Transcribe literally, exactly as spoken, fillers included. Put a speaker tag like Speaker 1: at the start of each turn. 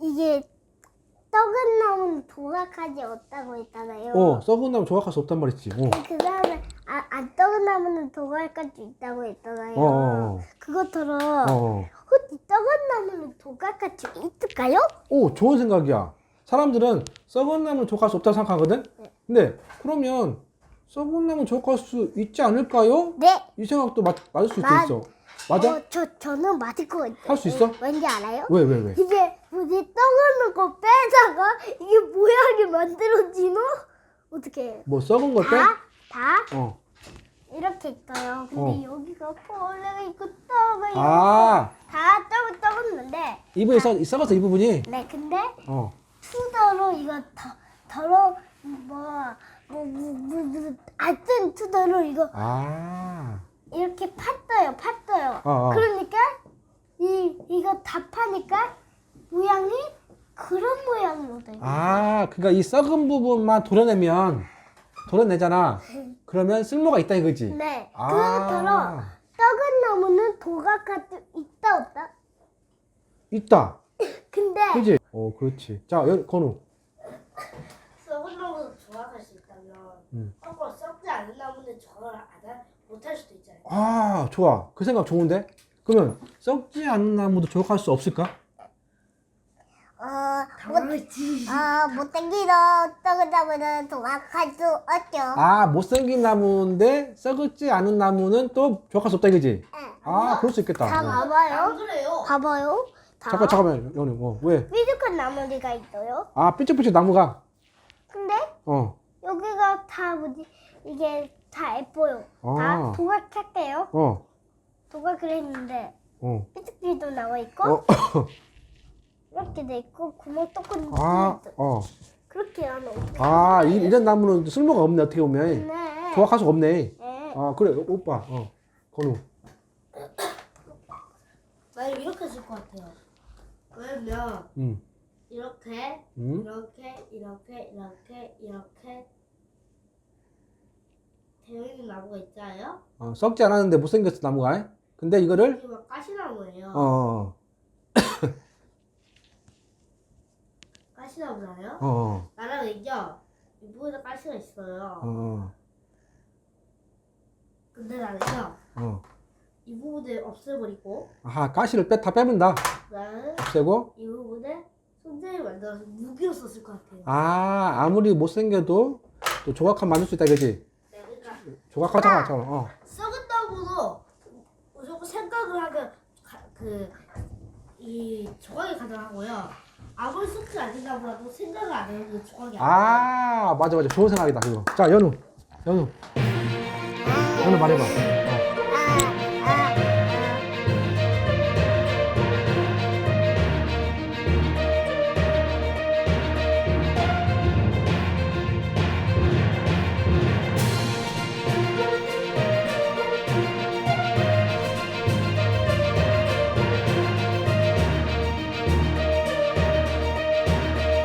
Speaker 1: 이게 썩은 나무는 조각할 수 없다고 했잖아요.
Speaker 2: 어, 썩은 나무 조각할 수 없단 말이지. 어.
Speaker 1: 그 다음에 아, 안 썩은 나무는 조각할 수 있다고 했잖아요.
Speaker 2: 어, 어, 어.
Speaker 1: 그것처럼
Speaker 2: 어.
Speaker 1: 혹시 썩은 나무는 조각할 수 있을까요?
Speaker 2: 오, 좋은 생각이야. 사람들은 썩은 나무는 조각할 수 없다고 생각하거든?
Speaker 1: 네.
Speaker 2: 근데 그러면 썩은 나무는 조각할 수 있지 않을까요?
Speaker 1: 네.
Speaker 2: 이 생각도 맞, 맞을 수
Speaker 1: 맞-
Speaker 2: 있어. 맞아?
Speaker 1: 어, 저 저는 맞을 것 같아요.
Speaker 2: 할 수 있어?
Speaker 1: 왠지 알아요?
Speaker 2: 왜, 왜, 왜?
Speaker 1: 이게 뭐지 썩은 거 빼다가 이게 모양이 만들어지노? 어떻게 해요?
Speaker 2: 뭐 썩은 걸 빼?
Speaker 1: 다? 다?
Speaker 2: 어.
Speaker 1: 이렇게 있어요. 근데
Speaker 2: 어.
Speaker 1: 여기가 벌레가 있고 떡가 있고
Speaker 2: 아,
Speaker 1: 다 떡을 떡었는데
Speaker 2: 이 부분이 썩, 썩었어, 이 부분이.
Speaker 1: 네 근데
Speaker 2: 어.
Speaker 1: 투더로 이거 더 더러 뭐뭐뭐뭐 하여튼 투더로 이거
Speaker 2: 아.
Speaker 1: 이렇게 팠어요 팠어요.
Speaker 2: 어, 어.
Speaker 1: 그러니까 이 이거 다 파니까 모양이 그런 모양으로 돼.
Speaker 2: 아, 그러니까 이 썩은 부분만 도려내면, 도려내잖아. 그러면 쓸모가 있다 이거지?
Speaker 1: 네.
Speaker 2: 아.
Speaker 1: 그처럼 떡은 나무는 조각할 수 있다 없다?
Speaker 2: 있다.
Speaker 1: 근데
Speaker 2: 그지? 어, 그렇지. 자, 여, 건우.
Speaker 3: 썩은 나무도 조각할 수 있다면
Speaker 2: 음.
Speaker 3: 거꾸로 썩지 않은 나무는 조각을 안 할- 못할 수도 있잖아요.
Speaker 2: 아, 좋아. 그 생각 좋은데? 그러면 썩지 않은 나무도 조각할 수 없을까?
Speaker 1: 어,
Speaker 3: 당연하지.
Speaker 1: 어, 못생기도 떡은 나무는 조각할 수 없죠.
Speaker 2: 아, 못생긴 나무인데 썩지 않은 나무는 또 조각할 수 없다 이거지?
Speaker 1: 네.
Speaker 2: 아, 그럴 수 있겠다.
Speaker 1: 다
Speaker 2: 어.
Speaker 3: 안
Speaker 1: 봐봐요.
Speaker 3: 그래요?
Speaker 1: 봐봐요. 다.
Speaker 2: 잠깐, 잠깐만, 연우. 어, 왜?
Speaker 1: 삐죽한 나무가 있어요.
Speaker 2: 아, 삐쭉삐쭉 나무가.
Speaker 1: 근데
Speaker 2: 어,
Speaker 1: 여기가 다 뭐지? 이게 다 예뻐요.
Speaker 2: 아.
Speaker 1: 다 조각할게요.
Speaker 2: 어,
Speaker 1: 조각을 했는데
Speaker 2: 어.
Speaker 1: 삐죽삐죽도 나와 있고
Speaker 2: 어,
Speaker 1: 이렇게 돼 있고 구멍 뚫고
Speaker 2: 아,
Speaker 1: 있어.
Speaker 2: 어.
Speaker 1: 그렇게 하면 어떡해?
Speaker 2: 아, 이, 이런 나무는 쓸모가 없네, 어떻게 보면.
Speaker 1: 네.
Speaker 2: 조각할 수가 없네.
Speaker 1: 네.
Speaker 2: 아, 그래, 오빠. 어, 건우.
Speaker 3: 만약 이렇게 했을 것 같아요. 왜냐면
Speaker 2: 응,
Speaker 3: 이렇게
Speaker 2: 응?
Speaker 3: 이렇게 이렇게 이렇게 이렇게 되어 있는 나무가 있잖아요.
Speaker 2: 어, 썩지 않았는데 못생겼어, 나무가. 근데 이거를,
Speaker 3: 이게 막 가시나무예요.
Speaker 2: 어, 어,
Speaker 3: 가시나무잖아요.
Speaker 2: 어, 어,
Speaker 3: 나랑은요 이 부분에 가시가 있어요.
Speaker 2: 어,
Speaker 3: 근데 나는요
Speaker 2: 어.
Speaker 3: 이 부분을 없애버리고
Speaker 2: 아하, 가시를 빼, 다 빼면다.
Speaker 3: 나는
Speaker 2: 없애고.
Speaker 3: 이 부분에 손잡이 만들어서 무기로 썼을 것 같아요.
Speaker 2: 아, 아무리 못생겨도 또 조각하면 만들 수 있다, 이거지?
Speaker 3: 네, 그러니까
Speaker 2: 조각하잖아, 잠깐. 어.
Speaker 3: 썩은 나무도 무조건 생각을 하면 그 이 조각이 가능하고요. 아무리 썩지 않는 나무라도 생각을 안 해도 조각이 안 돼요.
Speaker 2: 아, 맞아, 맞아. 좋은 생각이다, 그거. 자, 연우. 연우. 연우 말해봐.